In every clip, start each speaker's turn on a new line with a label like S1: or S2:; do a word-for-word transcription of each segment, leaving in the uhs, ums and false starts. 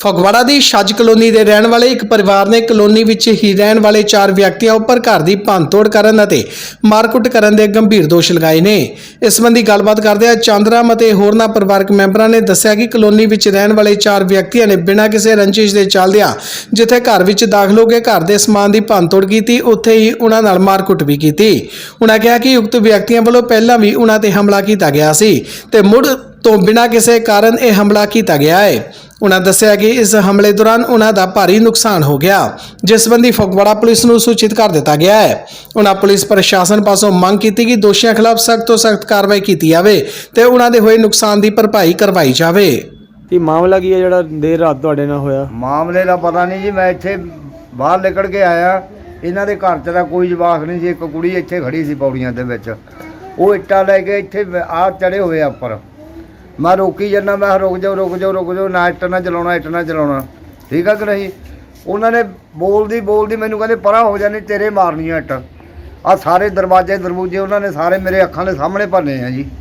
S1: ਫਗਵਾੜਾ ਦੀ ਛੱਜ ਕਲੋਨੀ ਦੇ ਰਹਿਣ ਵਾਲੇ ਇੱਕ ਪਰਿਵਾਰ ਨੇ ਕਲੋਨੀ ਵਿੱਚ ਹੀ ਰਹਿਣ ਵਾਲੇ ਚਾਰ ਵਿਅਕਤੀਆਂ ਉੱਪਰ ਘਰ ਦੀ ਭੰਨਤੋੜ ਕਰਨ ਅਤੇ ਮਾਰਕੁੱਟ ਕਰਨ ਦੇ ਗੰਭੀਰ ਦੋਸ਼ ਲਗਾਏ ਨੇ। ਇਸ ਸੰਬੰਧੀ ਗੱਲਬਾਤ ਕਰਦਿਆਂ ਚੰਦਰਾਮ ਅਤੇ ਹੋਰਨਾਂ ਪਰਿਵਾਰਕ ਮੈਂਬਰਾਂ ਨੇ ਦੱਸਿਆ ਕਿ ਕਲੋਨੀ ਵਿੱਚ ਰਹਿਣ ਵਾਲੇ ਚਾਰ ਵਿਅਕਤੀਆਂ ਨੇ ਬਿਨਾਂ ਕਿਸੇ ਰੰਜਿਸ਼ ਦੇ ਚੱਲਦਿਆਂ ਜਿੱਥੇ ਘਰ ਵਿੱਚ ਦਾਖਲ ਹੋ ਕੇ ਘਰ ਦੇ ਸਮਾਨ ਦੀ ਭੰਨਤੋੜ ਕੀਤੀ, ਉੱਥੇ ਹੀ ਉਹਨਾਂ ਨਾਲ ਮਾਰਕੁੱਟ ਵੀ ਕੀਤੀ। ਉਹਨਾਂ ਕਿਹਾ ਕਿ ਉਕਤ ਵਿਅਕਤੀਆਂ ਵੱਲੋਂ ਪਹਿਲਾਂ ਵੀ ਉਹਨਾਂ ਤੇ ਹਮਲਾ ਕੀਤਾ ਗਿਆ ਸੀ ਤੇ ਮੁੜ ਤੋਂ ਬਿਨਾਂ ਕਿਸੇ ਕਾਰਨ ਇਹ ਹਮਲਾ ਕੀਤਾ ਗਿਆ ਹੈ। उन्होंने दस्सिया कि इस हमले दौरान उन्होंने भारी नुकसान हो गया, जिस संबंधी फगवाड़ा पुलिस को सूचित कर दिया गया है। उन्होंने पुलिस प्रशासन पासों मांग की कि दोषियों खिलाफ सख्त तो सख्त कार्रवाई की जाए ते उन्होंने होए नुकसान की भरपाई करवाई जाए।
S2: ये मामला की है जिहड़ा देर रात तुहाडे नाल होया?
S3: मामले का पता नहीं जी, मैं इत्थे बाहर निकल के आया, इन्हां दे घर च तां कोई जवाक नहीं जी। एक कुड़ी इत्थे खड़ी सी पौड़ियां दे विच, वो इट्टां लैके इत्थे आ चढ़े हुए उपर। मैं रोकी जाना, मैं रुक जाओ रुक जाओ रुक जाओ, ना इट ना चलाना इट ना चलाना, ठीक है कि नहीं। उन्होंने बोलदी बोलदी मैनू कहते परा हो जानी, तेरे मारनी इट। आ सारे दरवाजे दरवाजे उन्होंने सारे मेरे अखां दे सामने भरने हैं जी।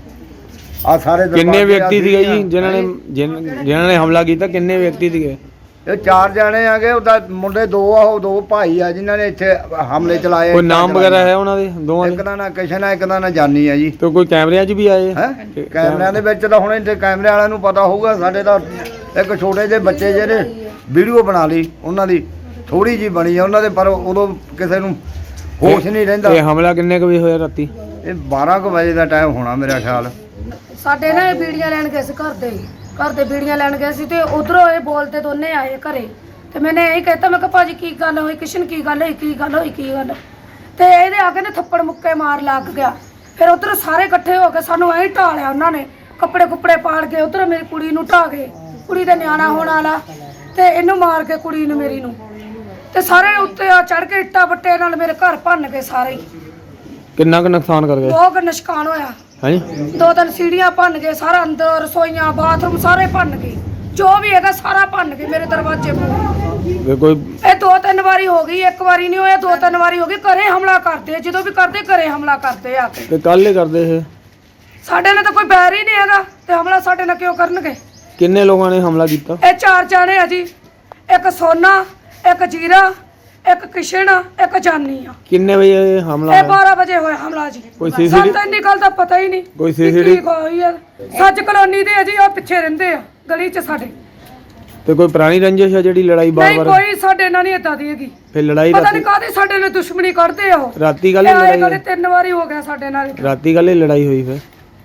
S3: आ सारे
S2: किन्ने व्यक्ति थे जी जिन्हां ने जिन्हां ने हमला किया? किन्ने व्यक्ति थे?
S3: ये चार जाने आ गए, उदा मुंडे दो आ, दो भाई आ जिन्होंने इत्थे हमले चलाए।
S2: कोई नाम वगैरह है उन्हां दे दोवां दे?
S3: एक दा नाम किशन है, एक दा नाम जानी है जी।
S2: तो कोई कैमरे च भी आए
S3: हैं? कैमरिਆਂ ਦੇ ਵਿੱਚ ਤਾਂ ਹੁਣ ਇੱਥੇ ਕੈਮਰੇ ਵਾਲਿਆਂ ਨੂੰ ਪਤਾ ਹੋਊਗਾ। ਸਾਡੇ ਤਾਂ ਇੱਕ ਛੋਟੇ ਜਿਹੇ ਬੱਚੇ ਜਿਹੜੇ ਵੀਡੀਓ ਬਣਾ ਲਈ, ਉਹਨਾਂ ਦੀ ਥੋੜੀ ਜੀ ਬਣੀ ਆ ਉਹਨਾਂ ਦੇ, ਪਰ ਉਦੋਂ ਕਿਸੇ ਨੂੰ ਹੋਸ਼ ਨਹੀਂ ਰਹਿੰਦਾ।
S2: ਇਹ ਹਮਲਾ ਕਿੰਨੇ ਕੁ ਵਜੇ ਹੋਇਆ ਰਾਤੀ?
S3: ਇਹ ਬਾਰਾਂ ਕੁ ਵਜੇ ਦਾ ਟਾਈਮ ਹੋਣਾ ਮੇਰਾ ਖਿਆਲ।
S4: ਸਾਡੇ ਨਾ ਬੀੜੀਆਂ ਲੈਣ ਗਏ ਸੀ ਘਰ ਦੇ ਘਰ ਦੇ ਬੀੜੀਆਂ ਲੈਣ ਗਏ ਸੀ ਤੇ ਉਧਰੋਂ ਇਹ ਬੋਲਤੇ ਦੋਨੇ ਆਏ ਘਰੇ ਤੇ ਮੈਨੇ ਇਹ ਕਹਿਤਾ, ਮੈਂ ਕਿਹਾ ਭਾਜੀ ਕੀ ਗੱਲ ਹੋਈ, ਕਿਸ਼ਨ ਕੀ ਗੱਲ ਹੋਈ, ਕੀ ਗੱਲ ਹੋਈ ਕੀ ਗੱਲ, ਤੇ ਇਹਦੇ ਆ ਕੇ ਨੇ ਥੱਪੜ ਮੁੱਕੇ ਮਾਰ ਲੱਗ ਗਿਆ। ਫਿਰ ਉਧਰ ਸਾਰੇ ਇਕੱਠੇ ਹੋ ਕੇ ਸਾਨੂੰ ਐਂ ਢਾ ਲਿਆ ਉਹਨਾਂ ਨੇ, ਕੱਪੜੇ ਕੁੱਪੜੇ ਪਾੜ ਕੇ ਉਧਰ ਮੇਰੀ ਕੁੜੀ ਨੂੰ ਢਾ ਗਏ, ਕੁੜੀ ਦਾ ਨਿਆਣਾ ਹੋਣ ਵਾਲਾ, ਤੇ ਇਹਨੂੰ ਮਾਰ ਕੇ ਕੁੜੀ ਨੂੰ ਮੇਰੀ ਨੂੰ, ਤੇ ਸਾਰੇ ਉੱਤੇ ਆ ਚੜ ਕੇ ਇੱਟਾਂ ਬੱਟੇ ਨਾਲ ਮੇਰੇ ਘਰ ਭੰਨ ਕੇ ਸਾਰੇ ਹੀ।
S2: ਕਿੰਨਾ ਕੁ ਨੁਕਸਾਨ ਕਰ ਗਏ?
S4: ਬਹੁਤ ਨੁਕਸਾਨ ਹੋਇਆ।
S2: ਹਾਂਜੀ,
S4: ਦੋ ਤਿੰਨ ਸੀੜੀਆਂ ਭੰਨ ਗਏ, ਸਾਰਾ ਅੰਦਰ ਰਸੋਈਆਂ ਬਾਥਰੂਮ ਸਾਰੇ ਭੰਨ ਗਏ, ਜੋ ਵੀ ਹੈਗਾ ਸਾਰਾ ਭੰਨ ਗਏ ਮੇਰੇ ਦਰਵਾਜ਼ੇ ਮੂਹਰੇ।
S2: ਕੋਈ
S4: ਇਹ ਦੋ ਤਿੰਨ ਵਾਰੀ ਹੋ ਗਈ, ਇੱਕ ਵਾਰੀ ਨਹੀਂ ਹੋਇਆ, ਦੋ ਤਿੰਨ ਵਾਰੀ ਹੋ ਗਈ। ਘਰੇ ਹਮਲਾ ਕਰਦੇ ਆ, ਜਦੋਂ ਵੀ ਕਰਦੇ ਘਰੇ ਹਮਲਾ ਕਰਦੇ ਆ ਕੇ।
S2: ਤੇ ਕੱਲ ਹੀ ਕਰਦੇ ਇਹ?
S4: ਸਾਡੇ ਨਾਲ ਤਾਂ ਕੋਈ ਬੈਰ ਹੀ ਨਹੀਂ ਹੈਗਾ ਤੇ ਹਮਲਾ ਸਾਡੇ ਨਾਲ ਕਿਉਂ ਕਰਨਗੇ?
S2: ਕਿੰਨੇ ਲੋਕਾਂ ਨੇ ਹਮਲਾ ਕੀਤਾ?
S4: ਇਹ ਚਾਰ ਜਾਣੇ ਆ ਜੀ, ਇੱਕ ਸੋਨਾ, ਇੱਕ ਜੀਰਾ, ਇੱਕ ਕਿਸ਼ਨ, ਇੱਕ ਜਾਨੀ ਆ।
S2: ਕਿੰਨੇ ਵਜੇ ਇਹ ਹਮਲਾ
S4: ਇਹ
S2: ਹੋਇਆ?
S4: ਬਾਰਾਂ ਵਜੇ ਹੋਇਆ ਹਮਲਾ ਜੀ।
S2: ਕੋਈ ਸੀਸੀਟੀ
S4: ਸਾਨੂੰ ਤਾਂ ਇੰਨੀ ਗੱਲ ਦਾ ਪਤਾ ਹੀ ਨਹੀਂ।
S2: ਕੋਈ ਸੀਸੀਟੀ
S4: ਹੋਈ ਆ ਸੱਚ ਕਲੋਨੀ ਦੇ ਆ ਜੀ, ਉਹ ਪਿੱਛੇ ਰਹਿੰਦੇ ਆ ਗਲੀ 'ਚ ਸਾਡੇ।
S2: ਤੇ ਕੋਈ ਪੁਰਾਣੀ ਰੰਜਿਸ਼ ਹੈ ਜਿਹੜੀ ਲੜਾਈ ਬਾਰ
S4: ਨਹੀਂ,
S2: ਬਾਰ?
S4: ਕੋਈ ਸਾਡੇ ਨਾਲ ਨਹੀਂ ਏਦਾਂ ਦੀ ਹੈਗੀ।
S2: ਫਿਰ ਲੜਾਈ
S4: ਪਤਾ
S2: ਰਾਤੀ
S4: ਨਹੀਂ ਕਾਹਦੀ ਸਾਡੇ ਨਾਲ ਦੁਸ਼ਮਣੀ ਕਰਦੇ ਆ ਉਹ।
S2: ਰਾਤੀ ਕੱਲ ਹੀ
S4: ਇਹ
S2: ਲੜਾਈ
S4: ਗੱਲ
S2: ਹੋਈ?
S4: ਤਿੰਨ ਵਾਰੀ ਹੋ ਗਿਆ ਸਾਡੇ ਨਾਲ।
S2: ਰਾਤੀ ਕੱਲ ਹੀ ਲੜਾਈ ਹੋਈ ਫਿਰ?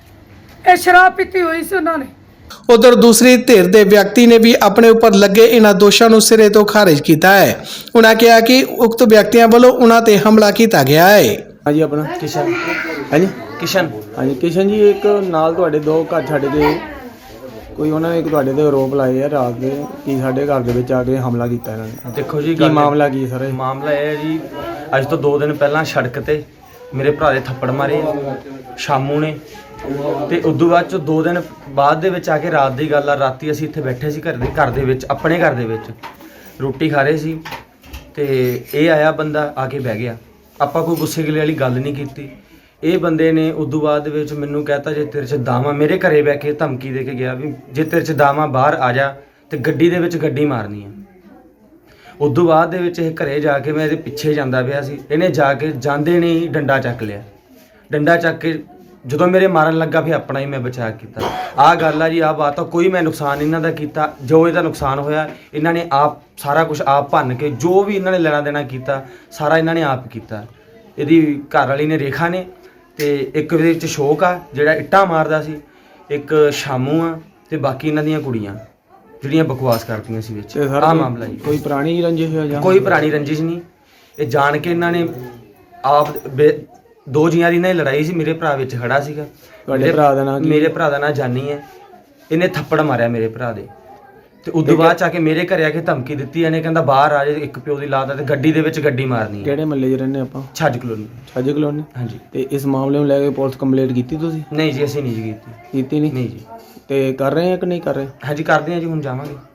S4: ਇਹ ਸ਼ਰਾਬ ਪੀਤੀ ਹੋਈ ਸੀ ਉਹਨਾਂ ਨੇ।
S1: उधर दूसरी धिर के व्यक्ति ने भी अपने ऊपर लगे इन्होंने दोषों को सिरे तो खारिज किया है। उन्होंने कहा कि उक्त व्यक्तियों वालों उन्होंने ते हमला किया गया है।
S2: हाँ जी, अपना
S5: किशन।
S2: हाँ जी
S5: किशन।
S2: हाँ जी किशन जी, एक नाल तुहाडे दो घर छड्ड के कोई उन्होंने एक तुहाडे ते आरोप लाए है रात के कि साडे घर दे विच आके हमला किया इन्होंने।
S5: देखो जी,
S2: की मामला की सर?
S5: मामला यह है जी, अज तो दो दिन पहला सड़क ते मेरे भरा दे थप्पड़ मारे शामू ने, ਤੇ ਉਦੋਂ ਬਾਅਦ ਚ ਦੋ ਦਿਨ ਬਾਅਦ ਦੇ ਵਿੱਚ ਆ ਕੇ ਰਾਤ ਦੀ ਗੱਲ ਆ, ਰਾਤੀ ਅਸੀਂ ਇੱਥੇ ਬੈਠੇ ਸੀ ਘਰ ਦੇ ਘਰ ਦੇ ਵਿੱਚ, ਆਪਣੇ ਘਰ ਦੇ ਵਿੱਚ ਰੋਟੀ ਖਾ ਰਹੇ ਸੀ ਤੇ ਇਹ ਆਇਆ ਬੰਦਾ ਆ ਕੇ ਬਹਿ ਗਿਆ। ਆਪਾਂ ਕੋਈ ਗੁੱਸੇ ਗਿਲੇ ਵਾਲੀ ਗੱਲ ਨਹੀਂ ਕੀਤੀ। ਇਹ ਬੰਦੇ ਨੇ ਉਦੋਂ ਬਾਅਦ ਦੇ ਵਿੱਚ ਮੈਨੂੰ ਕਹਿਤਾ, ਜੇ ਤੇਰੇ 'ਚ ਦਾਵਾ, ਮੇਰੇ ਘਰੇ ਬਹਿ ਕੇ ਧਮਕੀ ਦੇ ਕੇ ਗਿਆ ਵੀ ਜੇ ਤੇਰੇ 'ਚ ਦਾਵਾ ਬਾਹਰ ਆ ਜਾ ਤੇ ਗੱਡੀ ਦੇ ਵਿੱਚ ਗੱਡੀ ਮਾਰਨੀ ਆ। ਉਦੋਂ ਬਾਅਦ ਦੇ ਵਿੱਚ ਇਹ ਘਰੇ ਜਾ ਕੇ ਮੈਂ ਇਹਦੇ ਪਿੱਛੇ ਜਾਂਦਾ ਪਿਆ ਸੀ, ਇਹਨੇ ਜਾ ਕੇ ਜਾਂਦੇ ਨਹੀਂ ਡੰਡਾ ਚੱਕ ਲਿਆ। ਡੰਡਾ ਚੱਕ ਕੇ ਜਦੋਂ ਮੇਰੇ ਮਾਰਨ ਲੱਗਾ ਫਿਰ ਆਪਣਾ ਹੀ ਮੈਂ ਬਚਾਅ ਕੀਤਾ। ਆਹ ਗੱਲ ਆ ਜੀ, ਆਹ ਬਾਤ ਆ। ਕੋਈ ਮੈਂ ਨੁਕਸਾਨ ਇਹਨਾਂ ਦਾ ਕੀਤਾ, ਜੋ ਇਹਦਾ ਨੁਕਸਾਨ ਹੋਇਆ ਇਹਨਾਂ ਨੇ ਆਪ ਸਾਰਾ ਕੁਝ ਆਪ ਭੰਨ ਕੇ, ਜੋ ਵੀ ਇਹਨਾਂ ਨੇ ਲੈਣਾ ਦੇਣਾ ਕੀਤਾ ਸਾਰਾ ਇਹਨਾਂ ਨੇ ਆਪ ਕੀਤਾ। ਇਹਦੀ ਘਰ ਵਾਲੀ ਨੇ ਰੇਖਾ ਨੇ, ਤੇ ਇੱਕ ਇਹਦੇ ਵਿੱਚ ਸ਼ੋਕ ਆ ਜਿਹੜਾ ਇੱਟਾਂ ਮਾਰਦਾ ਸੀ, ਇੱਕ ਸ਼ਾਮੂ ਆ, ਤੇ ਬਾਕੀ ਇਹਨਾਂ ਦੀਆਂ ਕੁੜੀਆਂ ਜਿਹੜੀਆਂ ਬਕਵਾਸ ਕਰਦੀਆਂ ਸੀ ਵਿੱਚ। ਆਹ ਮਾਮਲਾ ਜੀ।
S2: ਕੋਈ ਪੁਰਾਣੀ ਰੰਜਿਸ਼ ਹੈ ਜਾਂ? ਕੋਈ
S5: ਪੁਰਾਣੀ ਰੰਜਿਸ਼ ਨਹੀਂ, ਇਹ ਜਾਣ ਕੇ ਇਹਨਾਂ ਨੇ ਆਪ ਦੋ ਜੀਆਂ ਦੀ ਨਾਲ ਲੜਾਈ ਸੀ। ਮੇਰੇ ਭਰਾ ਵਿੱਚ ਖੜਾ ਸੀਗਾ।
S2: ਤੁਹਾਡੇ ਭਰਾ ਦਾ ਨਾਮ?
S5: ਮੇਰੇ ਭਰਾ ਦਾ ਨਾਮ ਜਾਨੀ ਹੈ। ਇਹਨੇ ਥੱਪੜ ਮਾਰਿਆ ਮੇਰੇ ਭਰਾ ਦੇ, ਤੇ ਉਦੋਂ ਬਾਅਦ ਚ ਆ ਕੇ ਮੇਰੇ ਘਰੇ ਆ ਕੇ ਧਮਕੀ ਦਿੱਤੀ। ਇਹਨੇ ਕਹਿੰਦਾ ਬਾਹਰ ਆ ਜਾ, ਇੱਕ ਪਿਓ ਦੀ ਲਾਤ ਹੈ ਤੇ ਗੱਡੀ ਦੇ ਵਿੱਚ ਗੱਡੀ ਮਾਰਨੀ ਹੈ।
S2: ਕਿਹੜੇ ਮਹੱਲੇ 'ਚ ਰਹਿੰਦੇ ਆਪਾਂ?
S5: ਛੱਜ ਕਲੋਨੀ।
S2: ਛੱਜ ਕਲੋਨੀ, ਹਾਂਜੀ। ਤੇ ਇਸ ਮਾਮਲੇ ਨੂੰ ਲੈ ਕੇ ਪੁਲਿਸ ਕੰਪਲੇਂਟ ਕੀਤੀ ਤੁਸੀਂ?
S5: ਨਹੀਂ ਜੀ, ਅਸੀਂ ਨਹੀਂ ਜੀ ਕੀਤੀ।
S2: ਕੀਤੀ ਨਹੀਂ?
S5: ਨਹੀਂ ਜੀ।
S2: ਤੇ ਕਰ ਰਹੇ ਆ ਕਿ ਨਹੀਂ ਕਰ ਰਹੇ?
S5: ਹਾਂਜੀ ਕਰਦੇ ਹਾਂ ਜੀ, ਹੁਣ ਜਾਵਾਂਗੇ।